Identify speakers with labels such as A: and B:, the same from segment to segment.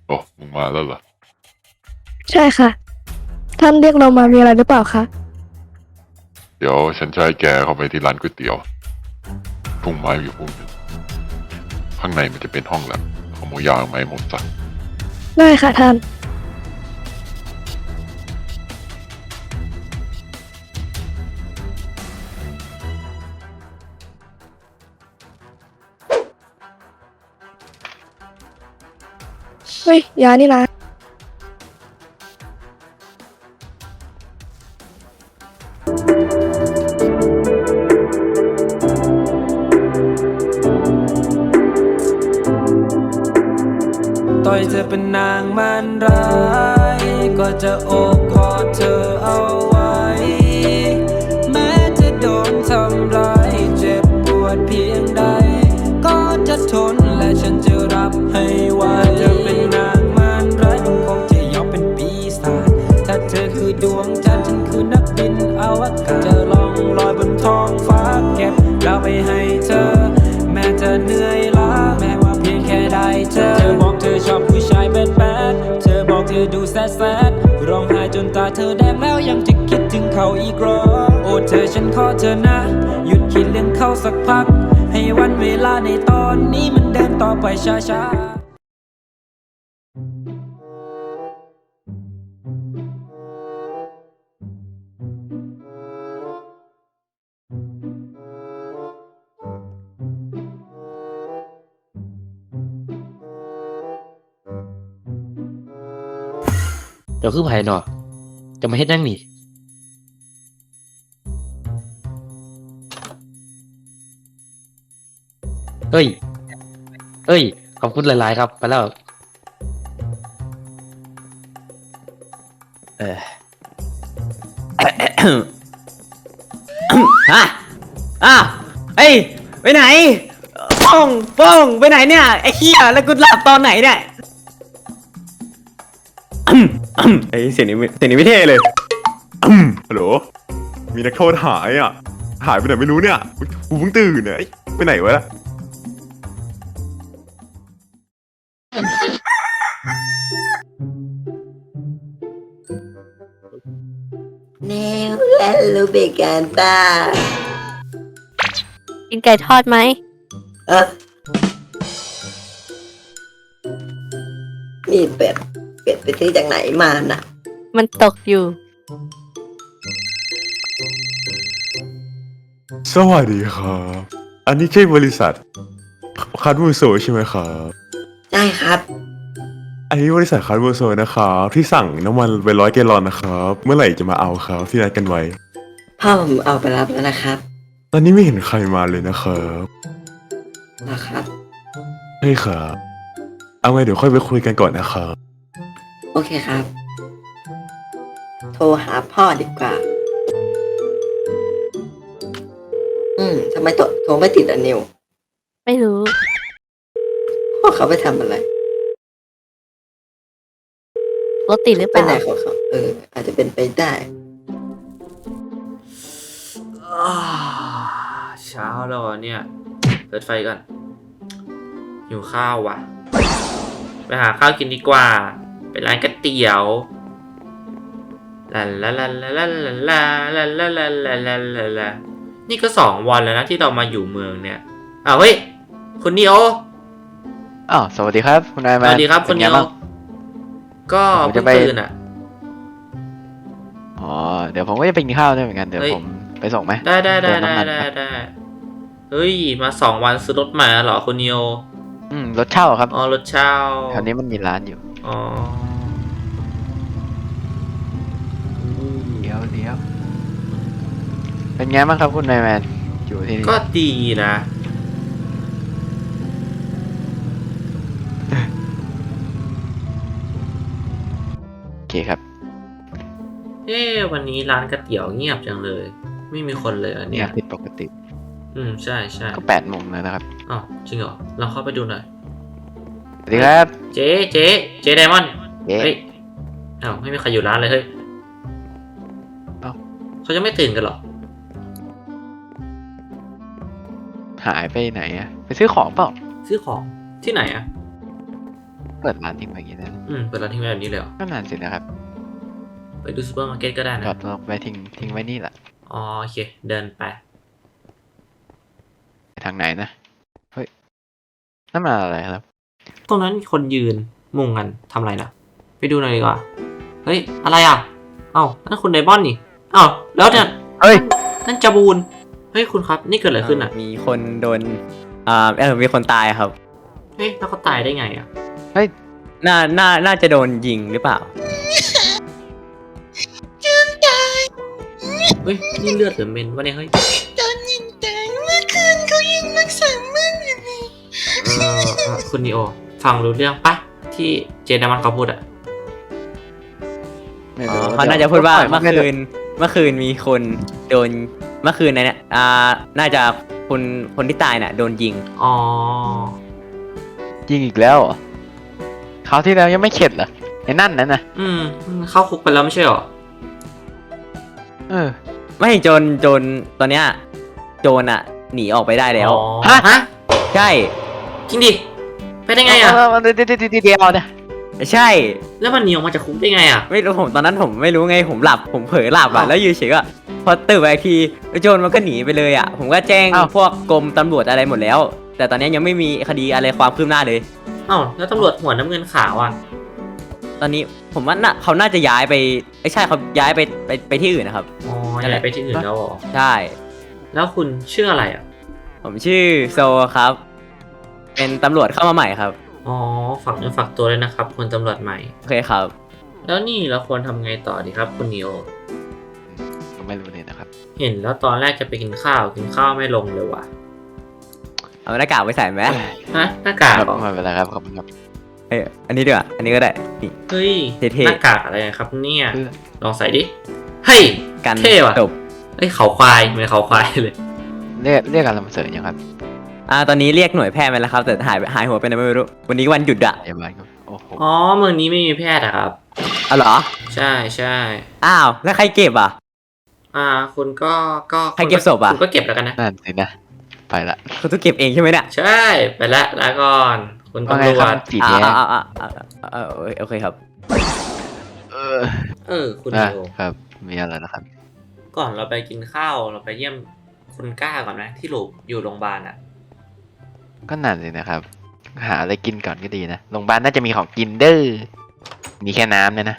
A: โอ้มึงมาแล้วเหรอ
B: ใช่ค่ะ ท่านเรียกเรามามีอะไรหรือเปล่าคะ
A: เดี๋ยวฉันจะให้แกเข้าไปที่ร้านก๋วยเตี๋ยวพุ่งไม้อยู่พุ่งหนึ่งข้างในมันจะเป็นห้องแลบขโมยยาไม้หมดซะ
B: ได้ค่ะท่าน เฮ้ย ยานี่นะ
C: ต่อยเธอเป็นนางมันร้ายก็จะโอบกอดเธอเอาไว้แม้จะโดนทำร้ายเจ็บปวดเพียงใดก็จะทนและฉันจะรับให้ไหวเธอเป็นนางมันร้ายคงจะยอมเป็นปีศาจถ้าเธอคือดวงจันทร์ฉันคือนักบินอวกาศจะล่องลอยบนท้องฟ้าเก็บดาวไปให้เธอแม้จะเหนื่อยล้าแม้ว่าเพียงแค่ได้เธอบอกเธอชอบผู้ชายแบดแบดเธอบอกเธอดูแซดแซดร้องไห้จนตาเธอแดงแล้วยังจะคิดถึงเขาอีกหรอโอ้เธอฉันขอเธอนะหยุดคิดเรื่องเขาสักพักให้วันเวลาในตอนนี้มันเดินต่อไปช้าๆ
D: เดี๋ยวคือไผเนาะจะมาเฮ็ดนั่งนี่เอ้ย เอ้ย ขอบคุณหลายๆครับไปแล้วเออ
E: ฮะอ้าวเฮ้ยไปไหนป้องป้องไปไหนเนี่ยไอ้เหี้ยแล้วกูหลับตอนไหนเนี่ยไอ้เสียงนี้ไม่เท่เลย
F: ฮัลโหล มีนักโทษหายอ่ะ หายไปไหนไม่รู้เนี่ยกูเพิ่งตื่นเนี่ยเอ้ยไปไหนวะ
G: Neo lu berkata
B: กินไก่ทอดไหม
G: นี่เป็ดไปซื้อจากไหนมานะ
B: มันตกอยู่
F: สวัสดีครับ อันนี้ใช่บริษัทคัดมูโซใช่ไหมครับ
G: ได้ครับ
F: อันนี้บริษัทคัดมูโซนะครับที่สั่งน้ำมันไป100 แกลลอนนะครับ เมื่อไหร่จะมาเอาครับที่นัดกันไว้
G: พ่อผมเอาไปรับแล้วนะครับ
F: ตอนนี้ไม่เห็นใครมาเลยนะครับ
G: นะครับ
F: ใช่ครับ เอาไงเดี๋ยวค่อยไปคุยกันก่อนนะครับ
G: โอเคครับ โทรหาพ่อดีกว่า ทำไมโทรไม่ติดอ่ะนิว
B: ไม่รู้
G: พ่อเขาไปทำอะไร
B: รถติดหรือเป
G: ไป
B: ล่า
G: ไหนของเขาอาจจะเป็นไปได้
D: เช้าแล้วเนี่ยเปิดไฟก่อนหิวข้าวว่ะไปหาข้าวกินดีกว่าไปร้านก๋วยเตี๋ยวลาลาลาลาลาลาลาลาลาลาลาลาลานี่ก็2 วันแล้วนะที่เรามาอยู่เมืองเนี่ยเฮ้ยคุณนิโอ
E: อ้าวสวัสดีครับคุณนาย
D: ส
E: มา
D: วัสดีครับคุณนิโอก็
E: ผม
D: เพิ่
E: จะ
D: ง
E: ไป
D: ตื่นอ่ะ
E: อ๋อเดี๋ยวผมก็จะไปกินข้าวด้วยเหมือนกันเดี๋ยว
D: เฮ้ย
E: ผมไปส่งไหม
D: ได้
E: เติมน้ำมันครับ
D: เฮ้ยมา2 วันซื้อรถใหม่แล้วเหรอคุณนิโอ
E: รถเช่าครับ
D: อ๋อรถเช่า
E: แถวนี้มันมีร้านอยู่
D: อ๋อ
E: เดี๋ยวเป็นไงบ้างครับคุณนายแมนอยู่ที่นี่
D: ก็ดีนะ
E: โอเคครับ
D: วันนี้ร้านก๋วยเตี๋ยวเงียบจังเลย ไม่มีคนเลยอัน
E: เนี่
D: เนี้
E: ย
D: ย
E: ผิดปกติ
D: ใช่ใช่
E: ก็8 โมงแล้วนะครับ
D: อ๋อจริงเหรอเราเข้าไปดูหน่อย
E: สวัสดีครับ
D: เจ๊ไดมอนด์
E: เจ๊
D: เฮ้ยไม่มีใครอยู่ร้านเลยเฮ้ยเขาจะไม่ตื่นกันเหรอ
E: หายไปไหนอะไปซื้อของเปล่า
D: ซื้อของที่ไหนอะ
H: เปิดร้านทิ้งไว้อย่างนี้นะ
D: เปิดร้านทิ้งไว้แบบนี้เลยเหรอ
H: ก็นานสินะครับ
D: ไปดูซูเปอร์มาร์เก็ตก็ได้
H: จ
D: นะ
H: อดรถไว้ทิ้งไว้นี่แหละ
D: อ๋อโอเค เดินไป
H: ไปทางไหนนะเฮ้ยนั่นมันอะไรครับ
D: ตรงนั้นมีคนยืนมุงกันทำอะไรนะไปดูหน่อยดีกว่าเฮ้ยอะไรอ่ะเอ้านั่นคุณไดมอนด์นี่เอ้าแล้วเนี่ย
H: เฮ้ย
D: นั่นจาบูนเฮ้ยคุณครับนี่เกิดอะไรขึ้นอ่ะ
E: มีคนโดนมีคนตายครับ
D: เฮ้ยแล้วเขาตายได้ไงอ่ะ
E: น่าจะโดนยิงหรือเปล่า
D: เฮ้ยนี่เลือดหรือเมนวะเนี่ยเฮ้ย
I: โดนยิงตายเมื่อคืนเขายังรักษาเมื่ออยู่เลย
D: คุณนีโอฟังรู้เรื่องปะที่เจนนามันเขาพูดอ่ะ
H: ไม่
E: อ๋
H: รู้
E: อเขาน่าจะพูดว่า
H: ปล่ย
E: เมื่อคืนมีคนโดนเมื่อคืนในเนี่ยน่าจะคนที่ตายน่ะโดนยิง
D: อ๋อ
H: ยิงอีกแล้วเหรอคราวที่แล้วยังไม่เข็ดเหรอไอ้นั่นนะ
D: เข้าคุกไปแล้วไม่ใช่หรอ
H: เออ
E: ไม่โจรตอนเนี้ยโจรอ่ะหนีออกไปได้แล้ว
D: อ๋อ
H: ฮะ
D: ฮะ
E: ใช่
D: จริงดิไปได้ไงอ่ะ
H: เดี๋ยวนะ
E: ใช่
D: แล้วมันหนีออกมาจากคุกได้ไงอ่ะ
E: ไม่รู้ตอนนั้นผมไม่รู้ไงผมหลับผมเผลอหลับอ่ะ
D: อ้าว
E: แล้วอยู่เฉยก็พอตื่นมาอีกทีโจรมันก็หนีไปเลยอ่ะผมก็แจ้ง
H: อ้าว
E: พวกกรมตำรวจอะไรหมดแล้ว แต่ตอนนี้ยังไม่มีคดีอะไรความคืบหน้าเลย
D: เอ้าแล้วตำรวจหัวน้ำเงินขาวอ่ะ
E: ตอนนี้ผมว่าเขาน่าจะย้ายไปใช่เขาย้ายไปที่อื่นนะครับ
D: อ๋อ
E: นั่นแห
D: ย้า
E: ละ
D: ยไปที่อื่นแล้วเหรอ
E: ใช่
D: แล้วคุณชื่ออะไรอ่ะ
E: ผมชื่อโซครับ เป็นตำรวจเข้ามาใหม่ครับ
D: อ๋อฝากเนื้อฝากตัวเลยนะครับคุณตำรวจใหม่
E: โอเคครับ
D: แล้วนี่เราควรทำไงต่อดีครับคุณนิโอ
H: ก็ไม่รู้เลยนะครับ
D: เห็นแล้วตอนแรกจะไปกินข้าวไม่ลงเลยว่ะ
E: เอาหน้ากากไปใส่ไหม
D: ฮะหน้ากาก
H: ครับ
D: เหรอ
H: ไม่เป็นไรครับขอบคุณครับ
E: เอ้ยอันนี้ดีกว่าอันนี้ก็ได้นี่
D: เฮ้ย
E: เท่ๆ
D: หน้ากากอะไรครับเนี่ย
H: เพื่อ
D: ลองใส่ดิ เฮ้ย
E: กัน
D: เท่ว่ะ
E: จบ
D: เฮ้ยเขาควายเหมือนเขาควายเลย
H: เรียกการลำเสริญยังครับ
E: ตอนนี้เรียกหน่วยแพทย์มาแล้วครับแต่หายหัวไปไหนไม่รู้วันนี้วันหยุดอะ
H: พยาบาลครับโอ้โห
D: อ๋อเมืองนี้ไม่มีแพทย์อะครับ
E: อ๋อเหรอ
D: ใช่ใช่
E: อ้าวแล้วใครเก็บอ่ะ
D: คุณก็
E: ใครเก็บศพอะ
D: คุณก็เก็บแล้วกันนะ
H: นั่นสินะ ไปละ
E: คุณต้องเก็บเองใช่ไหมเนี่ย
D: ใช่ไปละลาก่อนคุณ
H: ว่า
D: ตำ
H: ไง
D: ร
H: คว รับ
D: จ
H: จีแย้
E: โอเคครับ
D: คุณ
H: อ่ะ
D: นิโอ
H: ครับ มีอะไรนะครับ
D: ก่อนเราไปกินข้าวเราไปเยี่ยมคุณก้าก่อนไหมที่อยู่โรงพยาบาลอ่ะ
H: ก็นั่นสินะครับ หาอะไรกินก่อนก็ดีนะโรงพยาบาลน่าจะมีของกินเด้อมีแค่น้ำเนี่ยนะ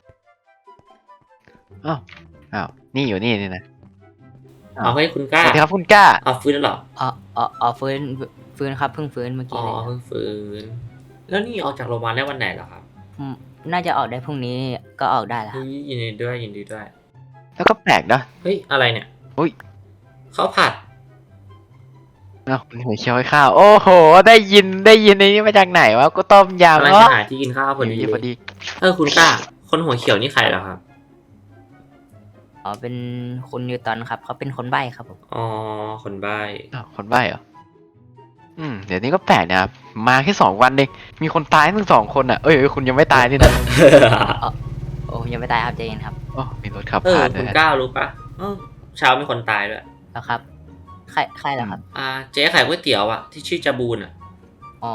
H: อ้าวนี่อยู่นี่นะ
D: เอาให้คุณก้า
H: สวัสดีครับคุณก้า
D: เอาฟื้นแล้วเหรอ
J: ฟื้นครับเพิ่งฟื้นเมื่อ
D: อ๋
J: กี้
D: อ
J: เลย
D: เพิ่งฟื้นแล้วนี่ออกจากโรงพยาบาลได้วันไหนเหรอครับ
J: น่าจะออกได้พรุ่งนี้ก็ออกได้แล้วครับ
D: เฮ้ยยินดีด้วยยินดีด้วย
H: แล้วก็แปลกนะ
D: เฮ้ยอะไรเนี่ย
H: อุ้ย
D: ข้าวผัด
H: อ้าวหัวเขียวให้ข้าว โอ้โห ได้ยินในนี้มาจากไหนวะก็ต้มยำ
D: กำลัง
H: เนาะ
D: จะหาที่กินข้าวพอดี
H: พอดี
D: คุณก้า คนหัวเขียวนี่ใครเหรอครับ
J: อ๋อเป็นคุณนิวตันครับเขาเป็นคนใบ้ครับผม
D: อ๋อคนใบ้
H: อ้าวคนใบ้เหรอเดี๋ยวนี้ก็แปลกนะครับมาแค่2 วันเองมีคนตายทั้ง2 คนอ่ะเอ้ยคุณยังไม่ตายนี่นะ
J: โอ้ยังไม่ตายครับใจเย็นครับ
H: โอ้มีรถขับผ่านด้
D: คุ
H: วย
D: ณก้ารู้ปะเช้ามีคนตายด้วย
J: แล้วครับใครเหรอครับ
D: เจ๊ขายก๋วยเตี๋ยวอ่ะที่ชื่อจาบูนอ่ะ
J: อ๋อ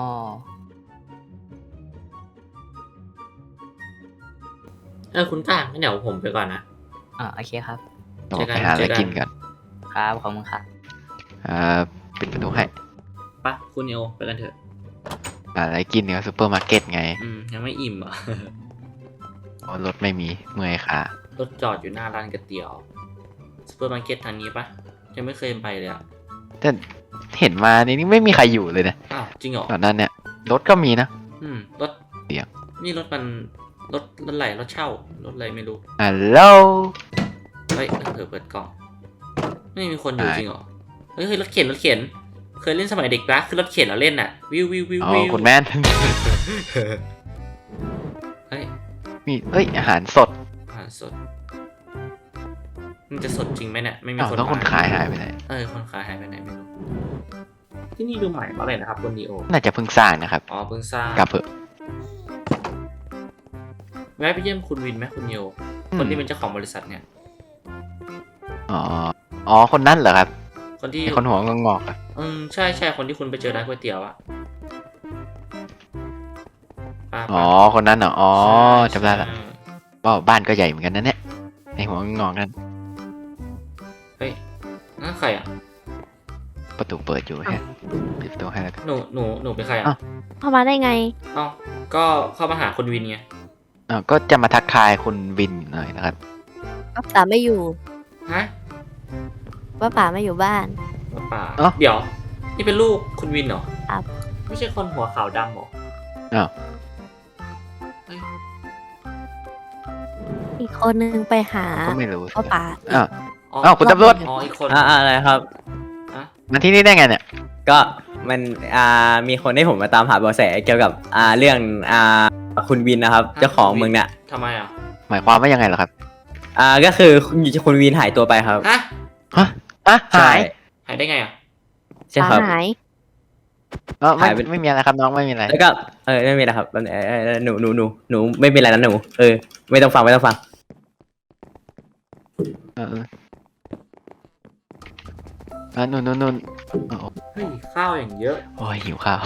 D: คุณก้างั้นเดี๋ยวผมไปก่อนนะ
J: โอเคครับ
H: โอ้ไปหาอะไรกินกัน
J: ครับขอบคุณครับ
H: ปิดประตูให้
D: ปะคุณเอโอไปกันเถอะ
H: หาอะไรกินเนี่ยซูเปอร์มาร์เก็ตไง
D: ยังไม่อิ่มอ่ะ
H: โอ้รถไม่มีเมื่อยขาร
D: ถจอดอยู่หน้าร้านก๋วยเตี๋ยวซูเปอร์มาร์เก็ตทางนี้ปะยังไม่เคยไปเลยอ่ะ
H: แต่เห็นมาในนี้ไม่มีใครอยู่เลยนะ
D: อ้าวจริงเหรอ
H: ตอนนั้นเนี่ยรถก็มีนะ
D: รถ
H: เดี๋ยว
D: นี่รถอะไรรถเช่ารถอะไรไม่รู้
H: ฮัลโหล
D: เฮ้ยเปิดกล่อง ไม่มีคนอยู่จริงเหรอ เฮ้ยรถเข็นเคยเล่นสมัยเด็กปะคือรถเข็นเราเล่นอ่ะ วิว
H: อ๋อคุณแม่น
D: เฮ้ย
H: มีอาหารสด
D: อาหารสด มันจะสดจริงไหมเนี่ยไม่มี
H: อ้าว
D: คน
H: แล้วคนขายหายไปไหน
D: คนขายหายไปไหนไม่รู้ ที่นี่ดูใหม่มาเลยนะครับคุณดีโอ
H: น่าจะเพิ่งสร้างนะครับ
D: อ๋อเพิ่งสร้าง
H: กลับเถอะ
D: แวะไปเยี่ยมคุณวินไหมคุณโยคนที่เป็นเจ้าของบริษัทเนี่ย
H: อ๋อคนนั้นเหรอครับ
D: คนที่
H: ไอ้คนหัวงอกๆอะ
D: ใช่คนที่คุณไปเจอร้านก๋วยเตี๋ยวอะป้า
H: อ๋อ คนนั้นเหรอ อ๋อ
D: ใช่
H: จำได้ละ
D: ใช่
H: ว่าบ้านก็ใหญ่เหมือนกันนะเนี่ยไอหัวงอกนั่น
D: เฮ้ยนั่นใครอ่ะ
H: ประตูเปิดอยู่แฮะปิดประตูให้แล้วกัน
D: หนูเป็นใครอ่ะ
H: อ้าว
B: เข้ามาได้ไง
D: เอ้าก็เข้ามาหาคุณวินไง
H: ก็จะมาทักทายคุณวินหน่อยนะครับ
B: ป้าป๋าไม่อยู่
D: ฮะ
B: ป้าป๋าไม่อยู่บ้าน
D: ป่า
H: เอ้า
D: เดี๋ยว นี่เป็นลูกคุณวินเหรอ
B: ครับ
D: ไม่ใช่คนหัวขาวดำเหรอ
H: อ้าว
D: เฮ้ย
B: อีกคนนึงไปหา
H: ก็ไม่รู้สิ
B: ป้าป๋า
H: อ้าว อ้าวคุณตำรวจ
D: อ๋ออีกคน
E: อะไรครับ
H: มาที่นี่ได้ไงเนี่ย
E: ก็มันมีคนให้ผมมาตามหาเบาะแสเกี่ยวกับเรื่องคุณวินนะครับ เจ้าของเมืองเนี่ย
D: ทำไมอ่ะ
H: หมายความว่ายังไงเหรอครับ
E: ก็คือคุณวินหายตัวไปครับ
D: ฮะ
H: ฮะหาย
D: หายได้ไงอ่ะ
E: ใช่ครับ
B: หาย
H: ไม่
E: หายไป
H: ไม่มีอะไรครับน้องไม่มีอะไร
E: แล้วก็ไม่มีนะครับหนูไม่เป็นไรนะหนูไม่ต้องฟังไม่ต้องฟัง
H: เออนู่นโอ้
D: เฮ้ย ข้าวอย่างเยอะ
H: โอ้ยหิวข้าว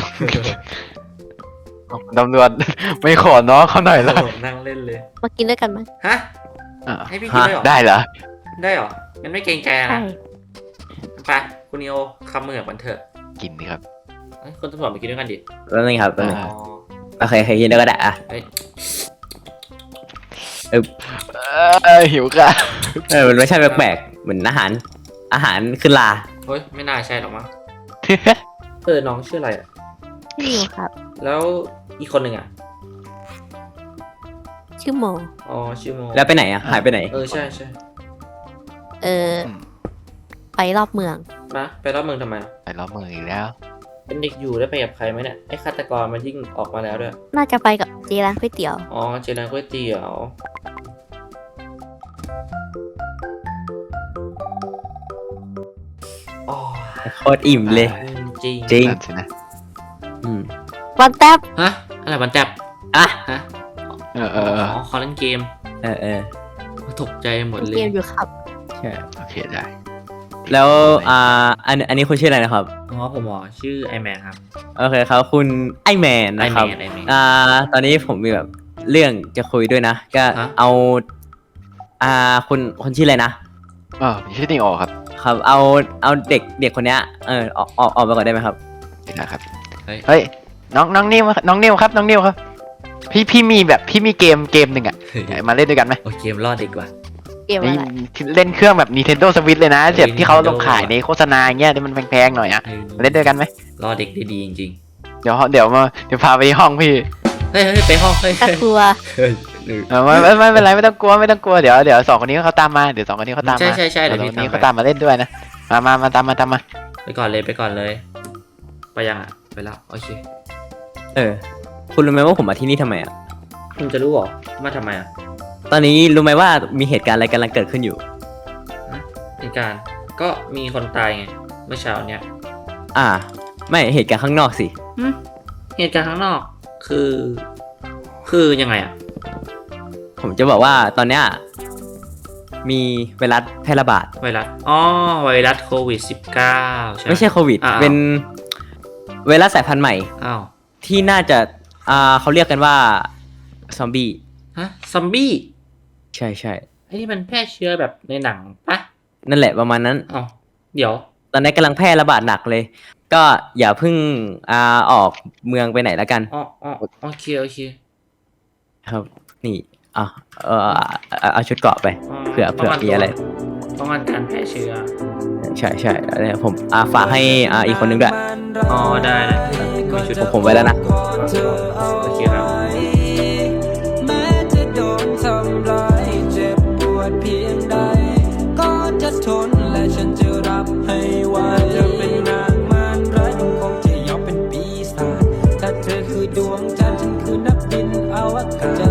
H: ตำรวจ ไม่ขอน้องเขาหน่อยเหรอ
D: นั่งเล่นเลย
B: มากินด้วยกันไหม
D: ฮะ
H: อ่ะ
D: ให้พี่กินด้วยเหรอ
H: ได้เหรอ
D: ได้เหรองั้นไม่เกรงใจ
B: ใช่
D: นะไปคุณนิโอคำมือกับมันเถอะ
H: กินดิครับ
D: เฮ้ยคุณตำรวจมากินด้วยกันดิ
E: แล้วนี่ครับแล้วนี่
H: อ่า
D: อ๋อ
E: โอเคยินดีก็ได้
D: เฮ้ย
H: หิวข้าว
E: มันไม่ใช่แปลกๆเหมือนอาหารขึ้นลา
D: เฮ้ย ไม่น่าใช่หรอกมั้งน้องชื่ออะไรอ่ะ
B: ชื่ออยู่ครับ
D: แล้วอีกคนหนึ่งอ่ะ
B: ชื่อโม
D: อ๋อ ชื่อโม
E: แล้วไปไหนหายไปไหน
D: ใช่ใช่
B: ไปรอบเมือง
D: มาไปรอบเมืองทำไมอะ
H: ไปล้อมมืออีกแล้ว
D: เป็นเด็กอยู่ได้ไปกับใครไหมเนี่ย ไอ้ฆาตกรมันยิ่งออกมาแล้วด้วย
B: น่าจะไปกับเจร้านก๋วยเตี๋ยว
D: อ๋อ เจริญก๋วยเตี๋ยว อ๋อ
E: โคตรอิ่มเลย
D: จริง
E: จริง
H: นั่นสินะ
B: วันแท็บ
D: ฮะ อะไรมันแตบ
E: อ่ะ
D: ฮะ
H: เออ
D: อ๋อเขาเล่นเกม ตกใจหมดเล
B: เก
D: ย
B: มอยู่ครับ
E: ใช่
H: โอเคได้
E: แล้วอันนี้คุณชื่ออะไรนะครับ
D: อ๋อ ผมอ๋อชื่อไอแมนครับ
E: โอเคครับคุณไอแมนนะครับ
D: ไอแมน
E: ตอนนี้ผมมีแบบเรื่องจะคุยด้วยนะ ก็
D: ฮะ
E: เอาคุณชื่ออะไรนะ
H: ผมชื่อนิโอครับ
E: ครับเอาเด็กคนเนี้ยออกไปก่อนได้ไหมครับ
H: นะครับ
D: เฮ้ย
H: น้องนิวครับน้องนิวครับ พี่มีเกมหนึ่งอ่ะมาเล่นด้วยกันไหม
D: โอเกมรอดดีกว่า
B: เกมอะไร
H: เล่นเครื่องแบบ Nintendo Switch เลยนะ
D: เฮ้ย
H: เจ็บที่เขา
D: Nintendo
H: ลงขายในโฆษณาอย่างเงี้ยที่มันแพงๆหน่อยอ่ะมาเล่นด้วยกันไหม
D: รอเด็กได้ดีจริง
H: เดี๋ยวพาไปห้องพี่
D: ๆ เฮ้ยไปห้องเฮ้ย
B: ตะกลัว
H: ไม่เป็นไรไม่ต้องกลัวเดี๋ยวสองคนนี้เขาตามมาเดี๋ยวสองคนนี้เขาตามมา
D: ใช่
H: เดี๋
D: เดี๋
H: ย
D: ยว ว
H: สอง
D: พี่
H: คนนี้
D: ตาม
H: เขาตามมาเล่นด้วยนะมาตามมา
D: ไปก่อนเลย ไปยังอ่ะ ไปแล้ว โอเค
E: คุณรู้ไหมว่าผมมาที่นี่ทำไมอ่ะ
D: คุณจะรู้เหรอ มาทำไมอ่ะ
E: ตอนนี้รู้ไหมว่ามีเหตุการณ์อะไรกำลังเกิดขึ้นอยู่
D: เหตุการณ์ก็มีคนตายไง เมื่อเช้าเนี้ย
E: ไม่เหตุการณ์ข้างนอกสิ
D: เหตุการณ์ข้างนอก คือยังไงอ่ะ
E: ผมจะบอกว่าตอนเนี้ยมีไวรัสแพร่ระบาด
D: ไวรัส อ๋อ ไวรัสโควิด 19 ใช่ไหม
E: ไม่ใช่โควิด
D: อ้าว
E: เป็นไวรัสสายพันธุ์ใหม่
D: อ้าว
E: ที่น่าจะเขาเรียกกันว่าซอมบี้
D: ฮะ ซอมบี้
E: ใช่
D: ไอ้นี่มันแพร่เชื้อแบบในหนังปะ
E: นั่นแหละประมาณนั้น
D: อ้าวเดี๋ยว
E: ตอนนี้กำลังแพร่ระบาดหนักเลย ก็อย่าเพิ่งออกเมืองไปไหนแล้วกัน
D: อ๋อโอเค
E: ครับ นี่เอาชุดเกราะไป เผื่อมีอะไร
D: ป้องกันการแพร่เชื้อ
E: ใช่แล้วผมฝากให้อีกคนนึงด้วย
D: อ๋อ ได้มีชุด
E: ผมไว้แล้วนะ
D: โอเคครับ
C: แม้จะโดนทำร้ายเจ็บปวดเพียงใด ก็จะทนและฉันจะรับให้ไหวจะเป็นนางมารร้ายคงจะยอมเป็นปีศาจถ้าเธอคือดวงจันทร์ฉันคือนักบินอวกาศจะ